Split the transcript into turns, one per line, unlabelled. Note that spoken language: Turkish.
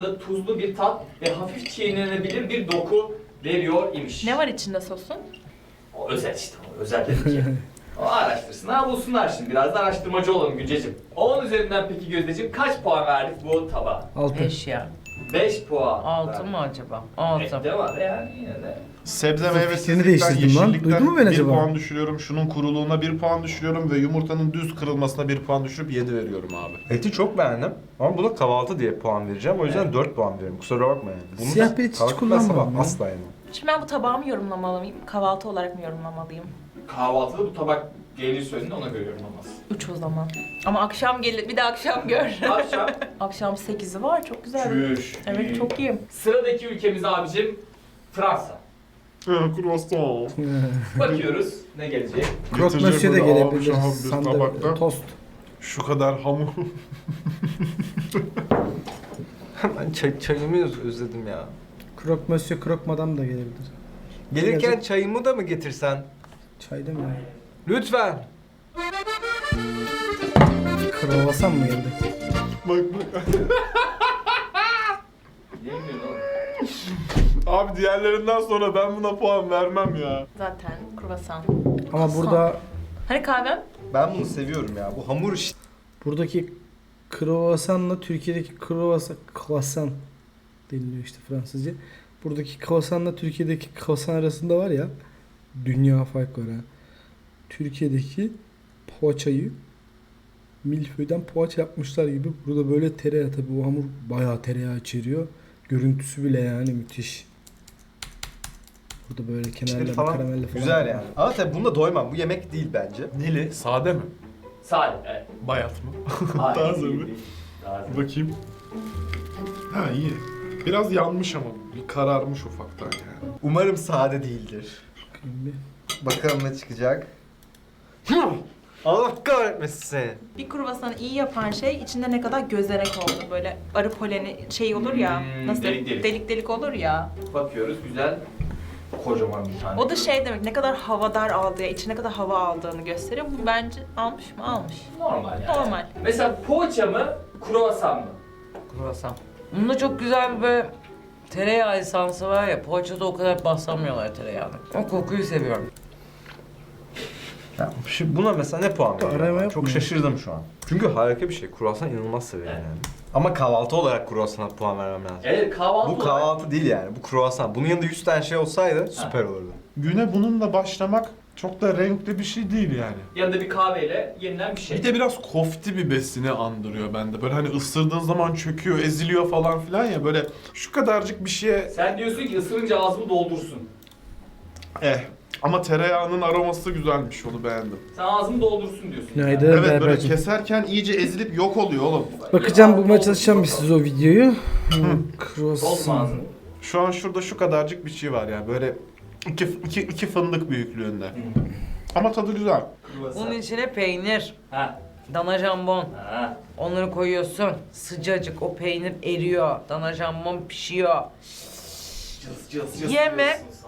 tuzlu bir tat ve hafif çiğnenebilir bir doku veriyor imiş.
Ne var içinde sosun?
O özel işte, o özel dedim ki. O araştırsınlar, bulsunlar şimdi. Biraz da araştırmacı olalım Günceciğim. 10 üzerinden peki Gözdeciğim kaç puan verdik bu tabağa?
6.
5 ya.
5 puan.
6 mı acaba? 6.
Ette var yani yine de.
Sebze
Fikrini
meyvesizlikten,
değiştirdim lan.
yeşillikten
Duydun mu beni
1
acaba?
puan düşürüyorum. Şunun kuruluğuna 1 puan düşürüyorum ve yumurtanın düz kırılmasına 1 puan düşürüp 7 veriyorum abi.
Eti çok beğendim ama buna kahvaltı diye puan vereceğim. O yüzden 4 puan veriyorum. Kusura bakma yani. Bunu
Siyah bir et hiç
kahvaltı
kullanmam
sabah
ya.
asla yemem.
Şimdi ben bu tabağı mı yorumlamalıyım? Kahvaltı olarak mı yorumlamalıyım?
Kahvaltıda bu tabak gelir söylediğinde ona göre yorumlamaz.
3 o zaman. Ama akşam gelir, bir de akşam gör.
Akşam.
Akşam 8'i var, çok güzel.
Çüş.
Evet, çok iyi.
Sıradaki ülkemiz abicim Fransa.
Croissant.
Bakıyoruz ne gelecek.
Croque
Getirecek
monsieur de
böyle
gelebilir.
abi şu bir tabakta.
Tost.
Şu kadar hamur.
Ben çayımı özledim ya.
Croque monsieur, croque madame da gelebilir.
Gelirken
Gelecek.
çayımı da mı getirsen?
Çay da mı?
Lütfen.
Kruvasan mı geldi?
Bak bak.
Yemiyor oğlum.
Abi diğerlerinden sonra ben buna puan vermem ya.
Zaten kruvasan.
Ama burada
Hani kahvem?
Ben bunu seviyorum ya. Bu hamur işte.
buradaki kruvasanla Türkiye'deki kruvasan deniliyor işte Fransızca. Buradaki kruvasanla Türkiye'deki kruvasan arasında var ya, dünya fark var ha. Türkiye'deki poğaçayı milföyden poğaça yapmışlar gibi. Burada böyle tereyağı, tabi bu hamur bayağı tereyağı içeriyor. Görüntüsü bile yani müthiş. Burada böyle kenarlarda
falan
karamelle falan.
güzel yani. Ama tabii bunda doymam. Bu yemek değil bence.
Neli? Sade mi?
Sade, evet.
Bayat mı?
Hayır,
Taze
değil,
mi?
değil. Taze.
Bakayım. Ha iyi. Biraz yanmış ama bir kararmış ufaktan yani.
Umarım sade değildir.
Bakayım bir.
Bakalım ne çıkacak. Allah kahretmesin seni.
Bir kruvasanı iyi yapan şey içinde ne kadar gözerek oldu. Böyle arı poleni şey olur ya. Nasıl?
delik delik.
olur ya.
Bakıyoruz güzel. Kocaman bir tane.
O da şey demek, ne kadar havadar aldığı, içine ne kadar hava aldığını gösteriyor. Bu bence almış mı? Almış.
Normal yani.
Normal.
Mesela poğaça mı, kruvasan mı?
Kruvasan. Bunda çok güzel bir böyle tereyağı esansı var ya, poğaçada o kadar baslamıyorlar tereyağını. O kokuyu seviyorum.
Ya, buna mesela ne puan
Arama
veriyorum?
yok
Çok
mu?
şaşırdım şu an. Çünkü harika bir şey. Kruvasan inanılmaz severim
Evet.
yani. Ama kahvaltı olarak kruvasana puan vermem lazım.
Evet kahvaltı
Bu
olarak-
kahvaltı değil yani. Bu kruvasan. Bunun yanında 100 tane şey olsaydı süper olurdu.
Güne bununla başlamak çok da renkli bir şey değil yani.
Yanında bir kahveyle yenilen bir şey.
Bir de biraz kofti bir besini andırıyor bende. Böyle hani ısırdığın zaman çöküyor, eziliyor falan filan ya, böyle şu kadarcık bir şeye
Sen diyorsun ki ısırınca ağzımı doldursun.
ama tereyağının aroması güzelmiş, onu beğendim.
Sen ağzımı doldursun diyorsun.
Günaydın
Evet, böyle
Berber'cim.
keserken iyice ezilip yok oluyor oğlum.
Bakacağım, bulmaya çalışacağım bir size o videoyu.
Doldurma
Kruvasan.
ağzını.
Şu an şurada şu kadarcık bir şey var ya, böyle iki fındık büyüklüğünde. Ama tadı güzel.
Kruvasan.
Bunun içine peynir,
Ha.
dana jambon.
Ha.
Onları koyuyorsun. Sıcacık o peynir eriyor. Dana jambon pişiyor.
Cız cız cız
Yeme.
diyorsunuz.